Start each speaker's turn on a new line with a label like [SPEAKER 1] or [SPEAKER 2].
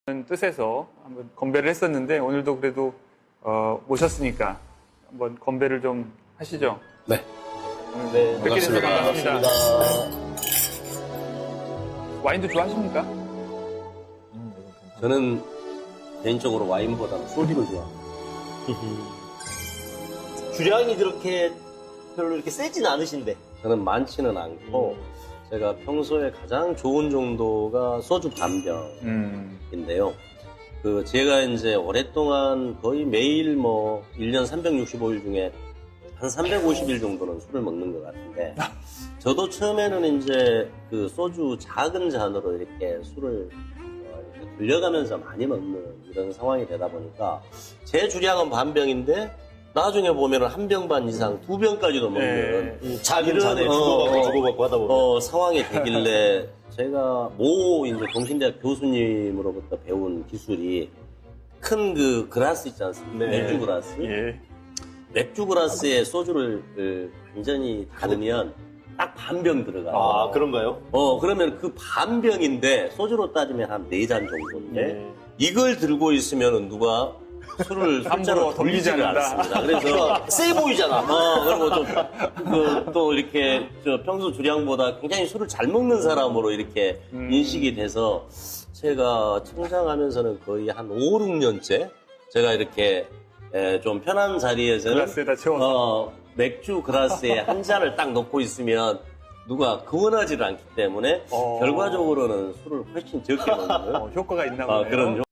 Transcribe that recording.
[SPEAKER 1] 뜻에서 한번 건배를 했었는데 오늘도 그래도 모셨으니까 한번 건배를 좀 하시죠.
[SPEAKER 2] 네.
[SPEAKER 1] 네, 뵙게 돼서 반갑습니다.
[SPEAKER 2] 반갑습니다.
[SPEAKER 1] 와인도 좋아하십니까?
[SPEAKER 2] 저는 개인적으로 와인보다는 소주를 좋아합니다.
[SPEAKER 3] 주량이 그렇게 별로 이렇게 세진 않으신데.
[SPEAKER 2] 저는 많지는 않고 제가 평소에 가장 좋은 정도가 소주 반병인데요. 제가 이제 오랫동안 거의 매일 1년 365일 중에 한 350일 정도는 술을 먹는 것 같은데, 저도 처음에는 이제 소주 작은 잔으로 이렇게 술을 이렇게 돌려가면서 많이 먹는 이런 상황이 되다 보니까 제 주량은 반병인데 나중에 보면 한 병 반 이상 2병까지도 먹는
[SPEAKER 3] 작은 잔에 주고받고 하다 보면
[SPEAKER 2] 상황이 되길래 제가 이제 동신대학 교수님으로부터 배운 기술이 큰 그라스 있지 않습니까?
[SPEAKER 3] 네.
[SPEAKER 2] 맥주 그라스.
[SPEAKER 1] 예.
[SPEAKER 2] 맥주 그라스에 소주를 완전히 담으면 딱 반병 들어가요.
[SPEAKER 3] 아, 그런가요?
[SPEAKER 2] 그러면 그 반병인데 소주로 따지면 한 4잔 정도인데 이걸 들고 있으면 누가 술을 숫자로
[SPEAKER 1] 돌리지
[SPEAKER 2] 돌리지를
[SPEAKER 1] 않는다.
[SPEAKER 2] 않습니다. 그래서
[SPEAKER 3] 세 보이잖아.
[SPEAKER 2] 그리고 또 이렇게 평소 주량보다 굉장히 술을 잘 먹는 사람으로 이렇게 인식이 돼서 제가 성장하면서는 거의 한 5, 6년째 제가 이렇게 좀 편한 자리에서는
[SPEAKER 1] 글라스에다 채워서.
[SPEAKER 2] 맥주 그라스에 한 잔을 딱 넣고 있으면 누가 그원하지를 않기 때문에 결과적으로는 술을 훨씬 적게 먹는
[SPEAKER 1] 효과가 있나 보네요.
[SPEAKER 2] 그런